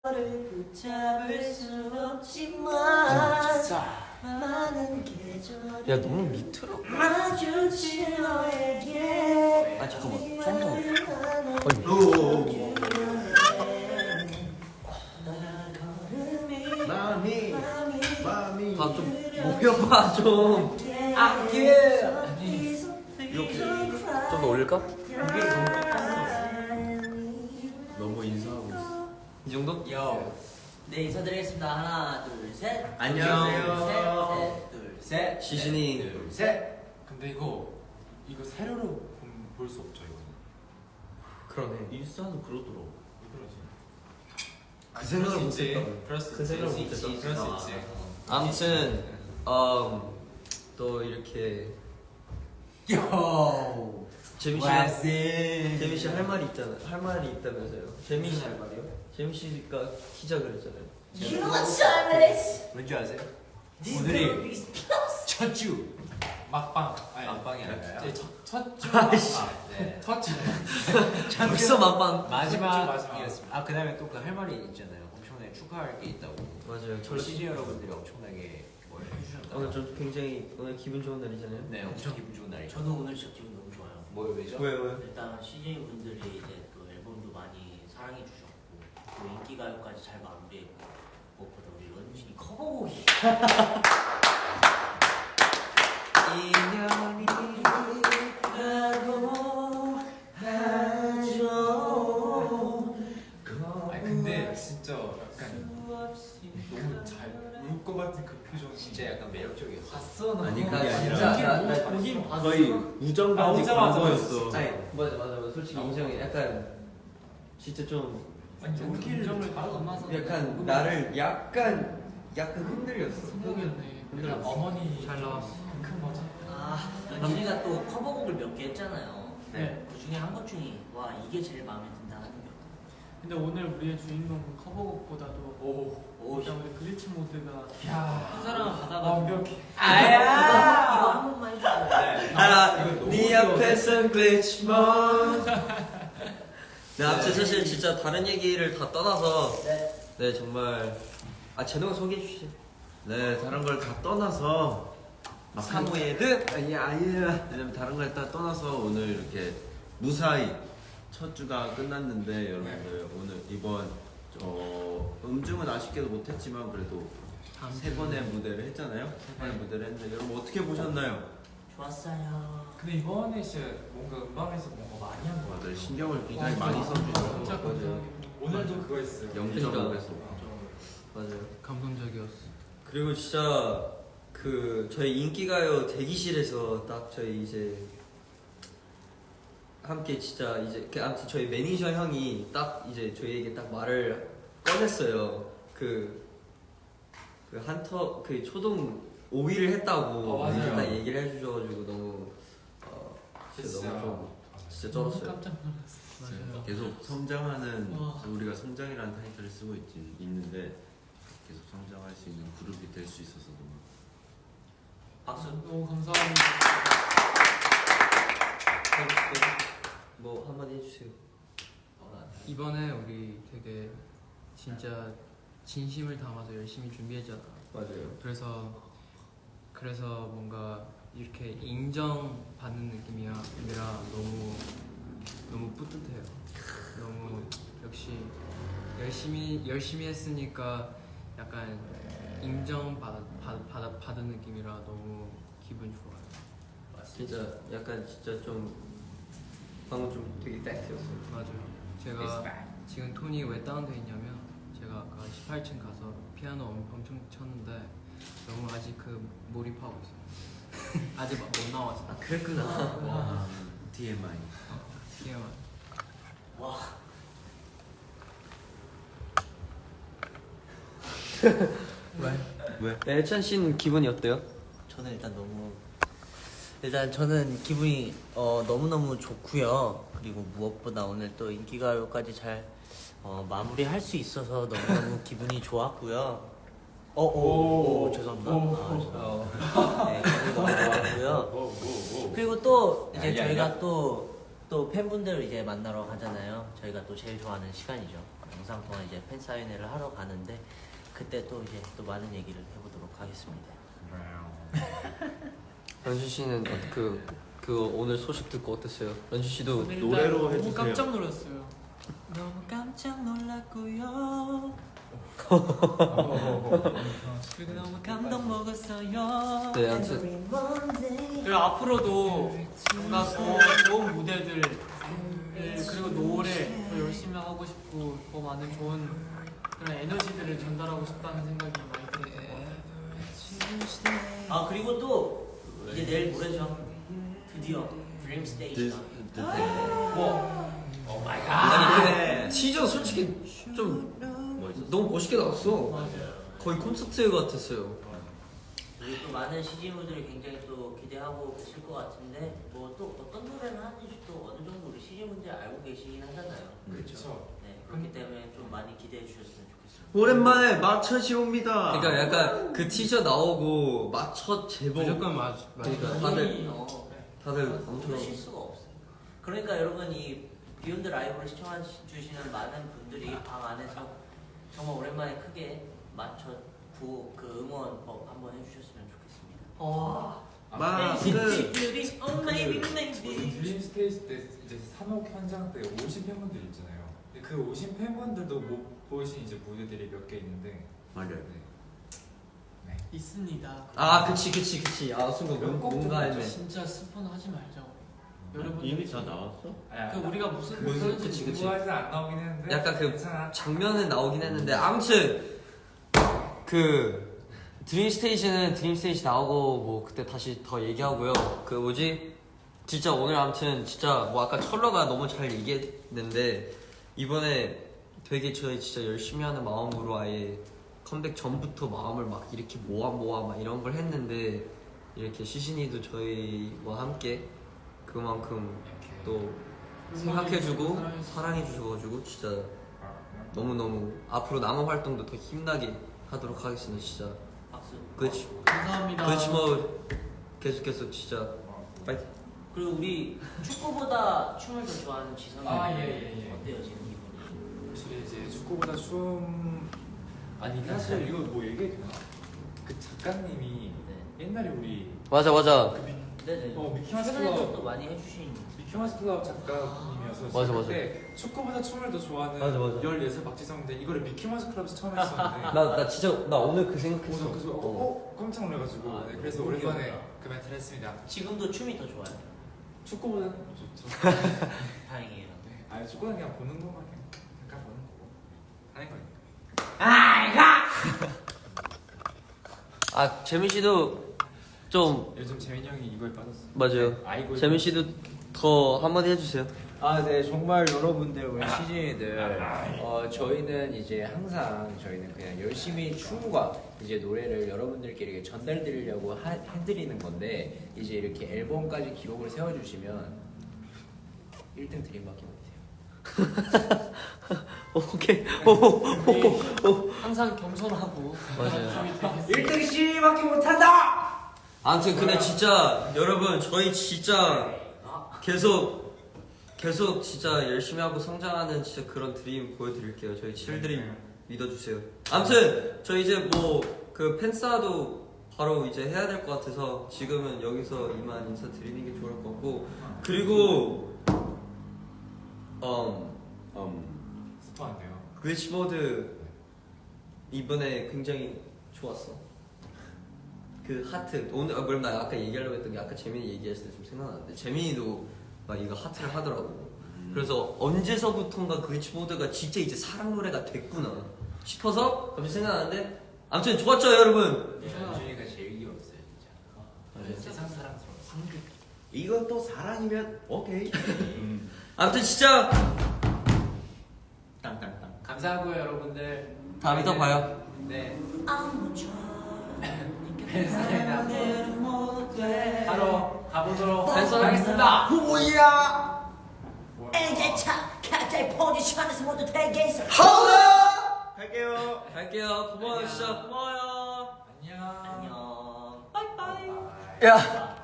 너를 붙잡을 수 없지만 많은 계절이 야 너무 밑으로. 마주친 너에게 아 잠깐만 좀 마음이 더좀 모여봐 좀. 이렇게 이렇게 좀 더 올릴까? 너무 인사하고 있어. 이 정도? 네 인사드리겠습니다. 하나 둘셋 안녕. 셋둘셋 시신이 둘셋. 근데 이거 세로로 볼 수 없죠 이거. 그러네. 인스타는 그러더라고. 왜 그러지? 그 생각을 못했다. 그 생각을 못했다. 그럴 수 있지. 아무튼 또 이렇게 재민 씨 할 말이 있잖아. 할 말이 있다면서요. 재민 씨 할 말이요? 재민 씨가 키자 그랬잖아요. You know what time it is? 왠지 아세요? This 오늘이 will be close. 첫 주 막방. 아니 막방이 아니라요? 첫주 아이씨. 네. 첫주 벌써 막방. 마지막이었습니다. 아 그다음에 또 그 할 말이 있잖아요. 엄청나게 축하할 게 있다고. 맞아요. 저희 CJ 여러분들이 엄청나게 뭘 해주셨다. 오늘 좀 굉장히 오늘 기분 좋은 날이잖아요. 네, 엄청 기분 좋은 날이죠. 저도 오늘 진짜 기분 너무 좋아요. 뭐요, 왜죠? 왜요? 일단 CJ 분들이 이제 또 앨범도 많이 사랑해 주셨고 또 인기가요까지 잘 마무리했고 무엇보다 우리 런쥔이 커버곡이 인연이 라고 하죠. 아니 근데 진짜 약간 너무 잘 울 것 같은 그 표정 진짜 약간 매력적이었어. 봤어. 아니 그게 나 아니라 진짜 보긴 봤어. 거의 우정까지 오자마자 광고였어. 아니 맞아 솔직히 인정해. 약간 진짜 좀 우정을 다 담아서 약간 나를 약간 흔들렸어. 성공이었네. 흔들렸어. 어머니 잘 나왔어. 큰 거지. 아, 런쥔이가 또 커버곡을 몇 개 했잖아요. 네. 그 중에 한 것 중에 와 이게 제일 마음에 든다 하는 게 근데 오늘 우리의 주인공은 커버곡보다도 오, 일단 우리 글리치 모드가 야, 한 사람을 받아가지고 완벽해. 이거 한 번만 해주세요. 알아. 네 앞에선 글리치몬. 네, 아무튼 사실 진짜 다른 얘기를 다 떠나서 네 정말 제노가 소개해 주시죠. 네, 다른 걸 다 떠나서 사무의 듯. 왜냐면 다른 걸 다 떠나서 오늘 이렇게 무사히 첫 주가 끝났는데 여러분들 오늘 이번 음중은 아쉽게도 못했지만 그래도 세 번의 무대를 했잖아요. 세 번의 무대를 했는데 여러분 어떻게 보셨나요? 좋았어요. 근데 이번에 진짜 뭔가 음악에서 뭔가 많이 한 거 같아요. 다들 신경을 굉장히 많이 써주셔서 진짜 감사하게 오늘도 그거 있어요. 0.5배속 맞아요. 감동적이었어. 그리고 진짜 그 저희 인기가요 대기실에서 딱 저희 이제 함께 진짜 이제 아무튼 저희 매니저 형이 딱 이제 저희에게 딱 말을 꺼냈어요. 그 한터 그 초동 5위를 했다고 맞아요. 딱 얘기를 해주셔가지고 너무 진짜 너무 좀 진짜 쩔었어요. 깜짝 놀랐어. 맞아요. 계속 성장하는 와. 우리가 성장이라는 타이틀을 쓰고 있는데 계속 성장할 수 있는 그룹이 될 수 있어서 너무 박수. 너무 감사합니다. 뭐 한마디 해주세요. 이번에 우리 되게 진짜 진심을 담아서 열심히 준비했잖아. 맞아요. 그래서 뭔가 이렇게 인정받는 느낌이라 너무 뿌듯해요. 너무 역시 열심히 했으니까 약간 받은 느낌이라 너무 기분 좋아요. 진짜 약간 진짜 좀 방금 좀 되게 팩트였어요. 맞아요. 제가 지금 톤이 왜 다운돼 있냐면 제가 아까 18층 가서 피아노 엄청 쳤는데 너무 아직 몰입하고 있어요. 아직 못 나왔어. 그랬구나. TMI. TMI. 와. 왜? 네, 해찬 씨는 기분이 어때요? 저는 일단 저는 기분이 너무너무 좋고요. 그리고 무엇보다 오늘 또 인기가요까지 잘 마무리할 수 있어서 너무너무 기분이 좋았고요. 죄송합니다. 네, 기분이 너무 좋았고요. 그리고 또 이제 저희가 또 팬분들을 이제 만나러 가잖아요. 저희가 또 제일 좋아하는 시간이죠. 영상 동안 이제 팬사인회를 하러 가는데 그때 또 이제 또 많은 얘기를 해보도록 하겠습니다. 런쥔 씨는 그 오늘 소식 듣고 어땠어요? 런쥔 씨도 노래로 너무 해주세요. 깜짝 놀랐어요. 너무 깜짝 놀랐고요. 그리고 너무 감동 먹었어요. 네, 아무튼 그리고 앞으로도 뭔가 더 좋은 무대들 그리고 노래 더 열심히 하고 싶고 더 많은 좋은 그런 에너지들을 전달하고 싶다는 생각이 많이 들어요. 아 그리고 또 이제 내일 모레죠. 드디어 드림 스테이션. 오 마이 갓. 아니 근데 티저 솔직히 좀 너무 멋있게 나왔어. 맞아요. 거의 콘서트 같았어요. 우리 또 많은 CG분들이 굉장히 또 기대하고 계실 것 같은데 뭐 또 어떤 노래를 하는지 또 어느 정도 우리 CG분들이 알고 계시긴 하잖아요. 그렇죠. 네 그렇기 때문에 좀 많이 기대해 주셨으면 좋겠습니다. 오랜만에 마천씨 옵니다. 그러니까 약간 그 티저 나오고 맞춰 제목 무조건 맞. 그러니까 다들 엄청 그러실 수가 없어요. 그러니까 여러분 이 비욘드 라이브를 시청해 주시는 많은 분들이 방 안에서 정말 오랜만에 크게 맞춰 그 응원법 한번 해주셨으면 좋겠습니다. 드림 스테이지 때 이제 산옥 현장 때 오신 팬분들 있잖아요. 근데 그 오신 팬분들도 못 보신 이제 무대들이 몇 개 있는데 맞아요. 네. 있습니다. 아 그치 아 순간 뭔가 했네. 진짜 스포는 하지 말자고. 여러분 이미 다 나왔어? 그 우리가 무슨 그치. 공부하지 안 나오긴 했는데 약간 그 괜찮아. 장면은 나오긴 했는데 아무튼 그 드림 스테이지 나오고 뭐 그때 다시 더 얘기하고요. 그 뭐지 진짜 오늘 아무튼 진짜 뭐 아까 철러가 너무 잘 얘기했는데 이번에 되게 저희 진짜 열심히 하는 마음으로 아예 컴백 전부터 마음을 막 이렇게 모아 막 이런 걸 했는데 이렇게 시신이도 저희와 함께 그만큼 또 생각해주고 사랑해주셔가지고 진짜 너무너무 앞으로 남은 활동도 더 힘나게 하도록 하겠습니다. 진짜 박수. 그렇지 감사합니다. 그렇지 뭐 계속해서 진짜 파이팅. 그리고 우리 축구보다 춤을 더 좋아하는 지성이 예. 어때요 지금 기분이? 확실히 이제 축구보다 춤 아니 사실 이거 뭐 얘기해도 되나? 그 작가님이 옛날에 우리 맞아 네네. 미키마우스 최근에도 클럽 또 많이 해주신. 미키마우스 클럽 작가님이어서 맞아. 그때 축구보다 춤을 더 좋아하는 맞아. 14살 박지성인데 이거를 미키마우스 클럽에서 처음 했었는데 나 진짜 나 오늘 그 생각했어. 그래서 깜짝 놀라가지고 아, 네, 그래서 너무 오랜만에 귀엽다. 그 멘트를 했습니다. 지금도 춤이 더 좋아요. 축구보다는 좋죠. 다행이에요. 네, 아니 축구는 그냥 보는 것만 그냥 잠깐 보는 거고 하는 거니까. 아 재민 씨도 좀 요즘 재민이 형이 이거에 빠졌어. 맞아요. 아이고. 재민 씨도 더 한마디 해주세요. 아, 네, 정말 여러분들 우리 시즌이들 저희는 이제 항상 저희는 그냥 열심히 춤과 이제 노래를 여러분들께 이렇게 전달드리려고 해드리는 건데 이제 이렇게 앨범까지 기록을 세워주시면 1등 드림밖에 못해요. 오케이. 항상 겸손하고 맞아요. 1등 씨밖에 못한다! 아무튼 근데 진짜 여러분 저희 진짜 계속 진짜 열심히 하고 성장하는 진짜 그런 드림 보여드릴게요. 저희 7드림 믿어주세요. 아무튼 저희 이제 뭐 그 팬싸도 바로 이제 해야 될 것 같아서 지금은 여기서 이만 인사드리는 게 좋을 것 같고 그리고 스포한데요. 글리치보드 이번에 굉장히 좋았어. 그 하트 오늘 그럼 나 아까 얘기하려고 했던 게 아까 재민이 얘기했을 때 좀 생각나는데 재민이도 막 이거 하트를 하더라고. 그래서 언제서부턴가 글리치보드가 진짜 이제 사랑 노래가 됐구나 싶어서 갑자기 생각나는데 아무튼 좋았죠 여러분. 준이가 제일 귀여웠어요 진짜. 세상 사랑스러워. 이건 또 사랑이면 오케이. 아무튼 진짜 땅땅땅. 감사하고요 여러분들. 다음에 또 봐요. 네. 팬사인회 바로 가보도록 팬사인회 하겠습니다. 뭐야? 애자차 각자의 포지션에서 모두 대기해서 갈게요. 고마워요 진짜 고마워요. 안녕. 안녕. 야